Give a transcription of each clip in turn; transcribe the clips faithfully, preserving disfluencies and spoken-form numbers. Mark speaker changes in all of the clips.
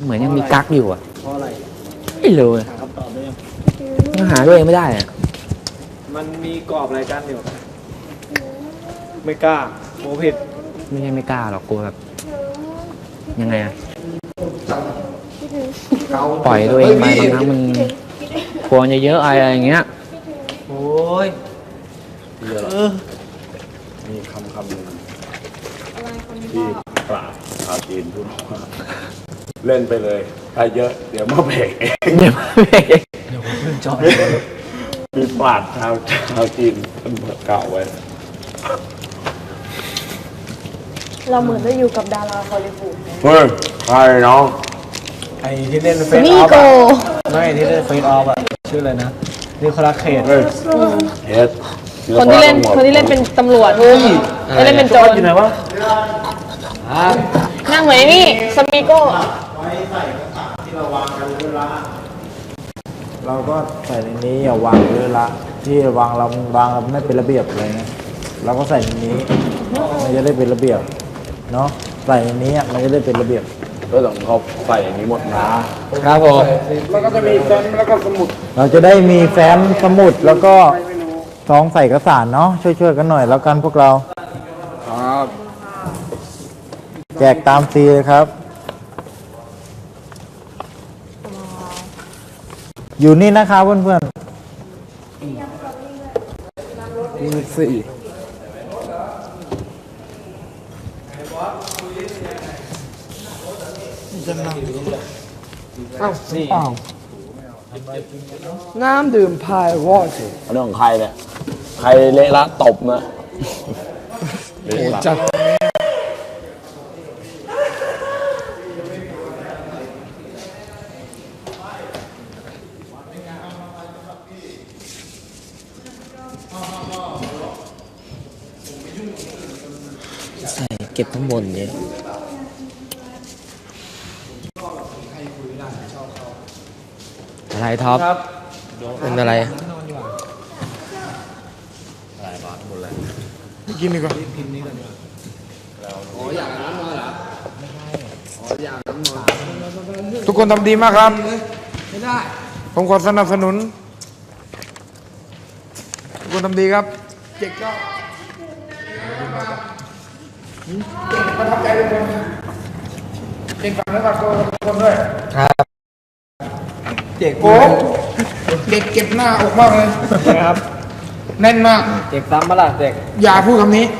Speaker 1: เหมือนยังมีกั๊กอยู่อ่ะ
Speaker 2: เพราะอะไร
Speaker 1: ไม่รู้เลย
Speaker 2: หาคำตอบได้ยัง
Speaker 1: ยังหาตัวเองไม่ได้อ่ะ
Speaker 2: มันมีกรอบอะไรกันอยู่ไม่กล้าโมผิด
Speaker 1: ไม่ใช่ไม่กล้าหรอกกลัวแบบยังไงอ่ะปล่อยตัวเองไปบางครั้งมันควรจะเยอะอะไรอย่างเงี้ย
Speaker 2: โอ้ย
Speaker 3: เยอะมีคำคำหนึ่งที่ปราบชาวจีนพูดว่าเล่นไปเลยถ้าเยอะเดี๋ยวมาเบรกเอง
Speaker 1: เดี๋ยวมาเบรก
Speaker 2: เดี๋ยวผมเพิ่งจอด
Speaker 3: มีปราบชาวชาวจีนท่านเก่าไว้
Speaker 4: เราเหมือนได้อยู่กับดาราฮอลลีวูด
Speaker 3: เฮ้ยใครน้อง
Speaker 2: ไอ้ที่เล่นเฟซออฟอะไม่ที่เล่นเฟซออฟอะชื่ออะไรนะนี่คาราเคด
Speaker 3: เฮ้ยเฮด
Speaker 4: คนที่เล่นคนที่เล่นเป็นตำรวจไม่เล่นเป็นโจร
Speaker 2: อยู่ไหนวะ
Speaker 4: นั่งเหมือนนี่สมิโก้
Speaker 2: เราก็ใส่ในนี้อย่าวางเลยละที่วางเราวางเราไม่เป็นระเบียบอะไรนะเราก็ใส่ในนี้มันจะได้เป็นระเบียบเนาะใส่ในนี้มันจะได้เป็นระเบียบ
Speaker 3: ก็ต้องเขาใส่อย่างนี้หมดนะครับ
Speaker 1: ผม
Speaker 3: แล้วก็จะมีแฟ้มแล้วก็สมุด
Speaker 2: เราจะได้มีแฟ้มสมุดแล้วก็ซองใส่เอกสารเนาะช่วยๆกันหน่อยแล้วกันพวกเรา
Speaker 3: ครับ
Speaker 2: แจกตามฟรีเลยครับอยู่นี่นะครับเพื่อนๆมีสี่
Speaker 3: อ้าวนี่
Speaker 2: น้ำดื่มพายวอช
Speaker 3: เรื่องของใครเนี่ยใครเละละตบนะโอ้จัด
Speaker 1: ใส่เก็บข้างบนเนี่ยอะไรท็อปเป็นอะไร
Speaker 3: อะไรบ้างหมดเลย
Speaker 2: กินดีกว่าทุกคนทำดีมากครับไม่ได้ผมขอสนับสนุนทุกคนทำดีครับเจ๊กก็ประทับใจทุกคนเจ๊กฝากเนื้อฝากตัวทุกคนด้วย
Speaker 1: ครับ
Speaker 2: เจ๊กโอ้เด็กเก็บหน้าออกมากเลยครับแน่นมาก
Speaker 1: เจ็กซ้ำมาล่ะเจ็ก
Speaker 2: อย่าพูดคำนี้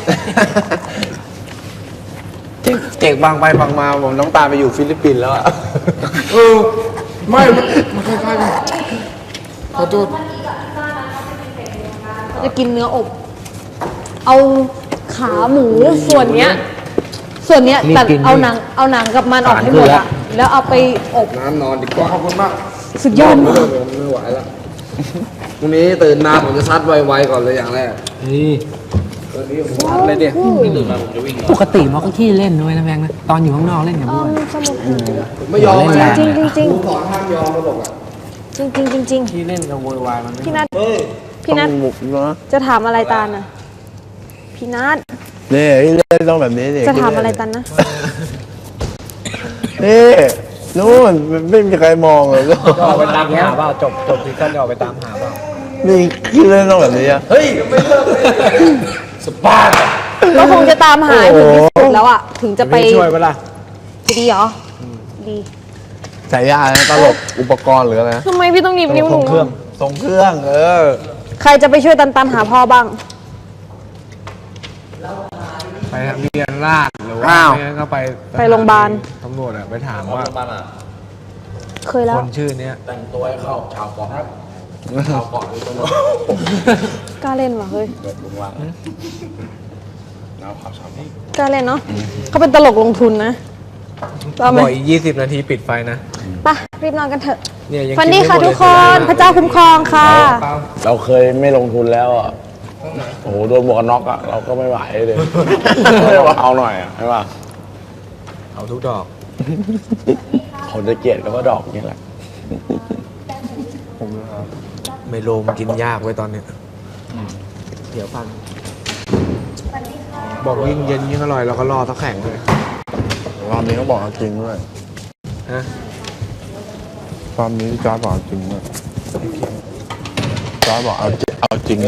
Speaker 1: เจ็กเจ็กบางไปบางมาผมต้องตามไปอยู่ฟิลิปปินส์แล้วอะ
Speaker 2: เออไม่มันคล้ายๆกันขอโทษ
Speaker 4: จะกินเนื้ออบเอาขาหมูส่วนเนี้ยส่วนเนี้ยแต่เอาหนังเอาหนังกับมันออกให้หมดอะแล้วเอาไปอบ
Speaker 3: น้ำนอนดีกว่า
Speaker 2: ขอบคุณมาก
Speaker 4: สุดยอดมาก
Speaker 3: ไม่ไหวแล้วพรุ่งนี้ตื่นมาผมจะซัดไวๆก่อนเลยอย่างแรก
Speaker 1: นี่
Speaker 3: ตอนนี้ผมซัดเลยเนี่ยตื่นมาผมจะวิ่ง
Speaker 1: ปกติมันก็ขี้เล่นด้วยนะแบงค์นะตอนอยู่ข้างนอกเล่นกับเพื่อน
Speaker 3: ไม่ยอม
Speaker 4: จริงจริงจริง
Speaker 3: สอนห้ามยอมเขาบอกอ่ะ
Speaker 4: จริงจริงจริงจริง
Speaker 2: ที่เล่นกับโวยวายมัน
Speaker 4: พี่นัทพี่นัทจะถามอะไรตาลนะพี่นัท
Speaker 3: นี่เล่นต้องแบบนี้
Speaker 4: จะถามอะไรตันนะ
Speaker 3: นี่นู่นไม่มีใครมองเลย
Speaker 2: ก็ออกไปตามหาเปล่าจบจบที่ขั้นออกไปตามหาเปล่า
Speaker 3: นี่คิดเล่นต้องแบบนี้อ่ะเฮ้ยไม่เลิกสปาร์
Speaker 4: ก็คงจะตามหาถึงที่สุดแล้วอ่ะถึงจะไป
Speaker 2: ช่วยเปล่า
Speaker 4: จะดีเหรอดี
Speaker 3: ใส่ยาตลกอุปกรณ์หรืออะไร
Speaker 4: ทำไมพี่ต้องหนีบนิ้วหนู
Speaker 2: ส่งเครื่อง
Speaker 3: ส่งเครื่องเออ
Speaker 4: ใครจะไปช่วยตันตันหาพ่อบ้าง
Speaker 2: ไปทะเบียนราษฎร์หรือว่าก็ไป
Speaker 4: ไปโรงพยาบาล
Speaker 2: ตำรวจอะไปถามว่า
Speaker 4: เคยแล้ว
Speaker 2: คนชื่อนี้
Speaker 3: แต่งตัวให้เข้าชาวเกาะชาวเกาะตำรวจ
Speaker 4: กล้าเล่นวะเฮ้ย
Speaker 3: เกิดลุงวังน้ำขาวชาวนี้
Speaker 4: กล้าเล่นเนาะเขาเป็นตลกลงทุนนะ
Speaker 2: บ่อยยี่สิบนาทีปิดไฟนะ
Speaker 4: ไปรีบนอนกันเถอะฟันดี้ค่ะทุกคนพระเจ้าคุ้มครองค่ะ
Speaker 3: เราเคยไม่ลงทุนแล้วอ่ะโอ้โหโดนหมวกกันน็อกอ่ะเราก็ไม่ไหวเลยเอาหน่อยอ่ะใช่ป่ะ
Speaker 2: เอาทุกดอก
Speaker 3: คนจะเกลียดก็ดอกนี่แหละ
Speaker 2: ไมโลมกินยากไว้ตอนนี้เดี๋ยวพันบอกยิ่งเย็นยิ่งอร่อยเราก็รอสักแข่งเลย
Speaker 3: รอบนี้เขาบอกจริงด้วย
Speaker 2: ฮะ
Speaker 5: ตอนนี้จอร์จบอกเอาจริงเลยจอร์จบอกเอาจริงเอาจริง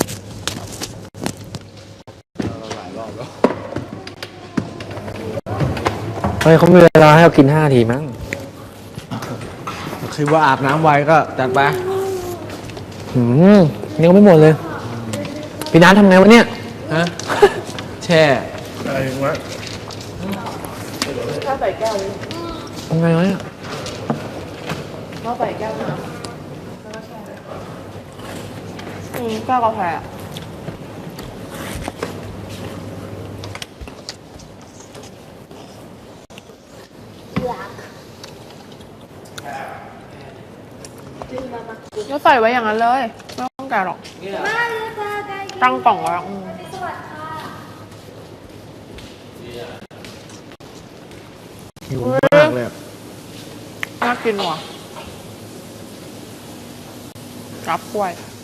Speaker 1: เฮ้ยเขามีเวลาให้เรากินห้านาทีมั้ง
Speaker 2: คือว่าอาบน้ำไวก็จัดไป
Speaker 1: อืมยังไม่หมดเลย พี่นัททำไงวะเนี่ย
Speaker 2: ฮะ แช่
Speaker 5: อะไรวะ
Speaker 1: ทำไงวะเนี่ย
Speaker 4: อืมแก้วกาแฟ ก็ใส่ไว้อย่างนั้นเลย ไม่ต้องแกะหรอก ตั้งกล่องไว้อืม
Speaker 2: หิวมากเลยอะ
Speaker 4: น่ากินว่ะรับกล้วย